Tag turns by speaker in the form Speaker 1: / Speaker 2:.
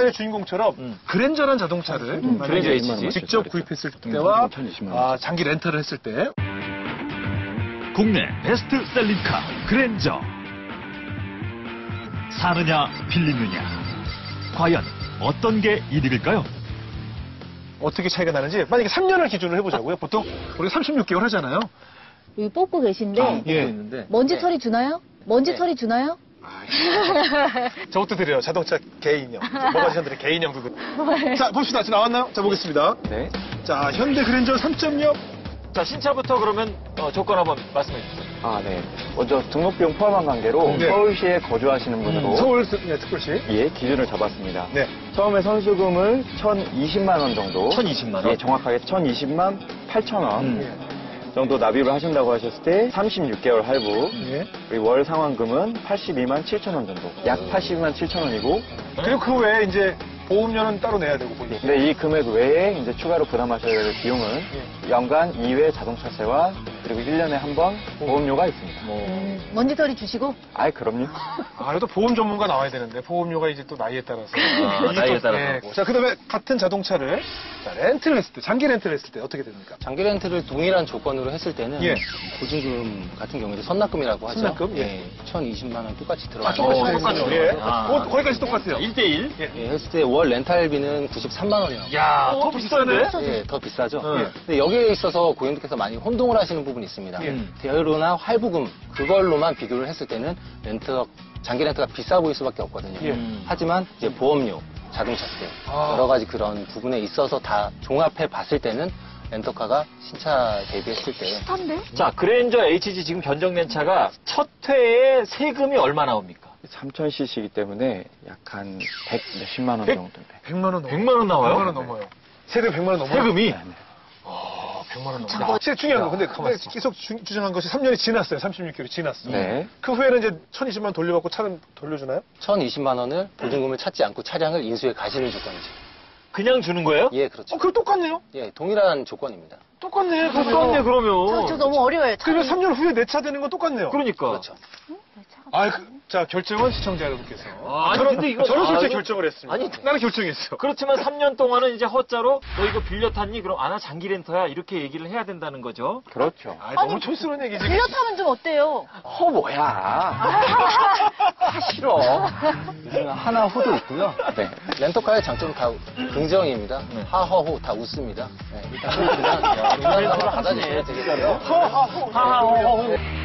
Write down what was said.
Speaker 1: 주인공처럼 그랜저란 자동차를
Speaker 2: 그랜저 HG
Speaker 1: 직접 구입했을 때와 장기 렌터를 했을 때
Speaker 3: 국내 베스트셀링카 그랜저. 사느냐 빌리느냐. 과연 어떤 게 이득일까요?
Speaker 1: 어떻게 차이가 나는지 만약에 3년을 기준으로 해보자고요. 보통 우리가 36개월 하잖아요.
Speaker 4: 여기 뽑고 계신데
Speaker 1: 예.
Speaker 4: 먼지 털이 주나요? 먼지 털이 주나요?
Speaker 1: 저것도 드려요. 자동차 개인형. 모가지션들의 개인형 그거. 자, 봅시다. 지금 나왔나요? 자, 보겠습니다.
Speaker 2: 네.
Speaker 1: 자, 현대 그랜저 3.0.
Speaker 2: 자, 신차부터 그러면 조건 한번 말씀해 주세요.
Speaker 5: 네. 먼저 등록비용 포함한 관계로
Speaker 1: 네.
Speaker 5: 서울시에 거주하시는 분으로
Speaker 1: 서울 특별시.
Speaker 5: 예, 기준을 잡았습니다.
Speaker 1: 네.
Speaker 5: 처음에 선수금을 1,020만 원 정도.
Speaker 2: 1,020만 원?
Speaker 5: 예, 정확하게 1,020만 8천 원. 정도 납입을 하신다고 하셨을 때 36개월 할부.
Speaker 1: 예.
Speaker 5: 그리고 월 상환금은 82만 7천 원 정도. 약 82만 7천 원이고.
Speaker 1: 그리고 그 외에 이제 보험료는 따로 내야 되고 본인.
Speaker 5: 근데 이 금액 외에 이제 추가로 부담하셔야 될 비용은 연간 2회 자동차세와 그리고 1년에 한 번 보험료가 있습니다.
Speaker 4: 먼지 털이 주시고?
Speaker 5: 아이, 그럼요.
Speaker 1: 그래도 보험 전문가 나와야 되는데 보험료가 이제 또 나이에 따라서.
Speaker 2: 나이에 따라서.
Speaker 1: 네. 자, 그다음에 같은 자동차를 렌트를 했을 때, 장기 렌트를 했을 때 어떻게 됩니까?
Speaker 6: 장기 렌트를 동일한 조건으로 했을 때는
Speaker 1: 예.
Speaker 6: 보증금 같은 경우에 선납금이라고 하죠.
Speaker 1: 선납금? 예.
Speaker 6: 예. 1,020만 원 똑같이 들어가요.
Speaker 1: 똑같죠. 예. 거기까지 똑같아요.
Speaker 2: 1대1?
Speaker 6: 예, 했을 때 월 렌탈비는 93만 원이요.
Speaker 2: 야, 더 비싼데?
Speaker 6: 예, 더 비싸죠.
Speaker 2: 예.
Speaker 6: 근데 여기에 있어서 고객님께서 많이 혼동을 하시는 부분이 있습니다.
Speaker 1: 예.
Speaker 6: 대여료나 할부금 그걸로만 비교를 했을 때는 장기 렌트가 비싸 보일 수밖에 없거든요.
Speaker 1: 예.
Speaker 6: 하지만 이제 보험료, 자동차세 여러 가지 그런 부분에 있어서 다 종합해 봤을 때는 렌터카가 신차 대비했을 때
Speaker 2: 자, 그랜저 HG 지금 견적렌차가 첫 회에 세금이 얼마 나옵니까?
Speaker 5: 3,000cc이기 때문에 약 한 100 몇십만 원 정도인데.
Speaker 1: 100만 원 넘어요.
Speaker 2: 100만 원 나와요?
Speaker 1: 100만 원 넘어요. 세금 100만 원 넘어요?
Speaker 2: 세금이?
Speaker 1: 100만 원 넘어요. 제일 중요한 거. 근데 계속 주장한 것이 3년이 지났어요. 36개월이 지났어.
Speaker 5: 네.
Speaker 1: 그 후에는 이제 1,020만 원 돌려받고 차는 돌려주나요?
Speaker 6: 1,020만 원을 보증금을 찾지 않고 차량을 인수해 가시는 조건이죠.
Speaker 2: 그냥 주는 거예요?
Speaker 6: 예, 그렇죠.
Speaker 1: 그럼 똑같네요.
Speaker 6: 예, 동일한 조건입니다.
Speaker 1: 똑같네.
Speaker 2: 똑같네, 그러면.
Speaker 4: 저 너무 어려워요.
Speaker 1: 그러면 3년 후에 내 차 되는 건 똑같네요.
Speaker 2: 그러니까.
Speaker 6: 그렇죠.
Speaker 1: 자, 결정은 시청자 여러분께서.
Speaker 2: 아니, 근데 이거.
Speaker 1: 저는 솔직히
Speaker 2: 이거-
Speaker 1: 결정을 했습니다.
Speaker 2: 아니,
Speaker 1: 나는 결정했어.
Speaker 2: 그렇지만 3년 동안은 이제 허자로 너 이거 빌려 탔니? 그럼 나 장기 렌터야. 이렇게 얘기를 해야 된다는 거죠.
Speaker 5: 그렇죠.
Speaker 1: 너무 촌스러운 얘기지.
Speaker 4: 빌려 타면 좀 어때요?
Speaker 5: 뭐야. 싫어. 요즘 하나 호도 있고요.
Speaker 6: 네. 렌터카의 장점은 다 긍정입니다. 하허호 다 웃습니다. 네. 일단 그냥 받아주시면 되겠고요.
Speaker 2: 하하호호.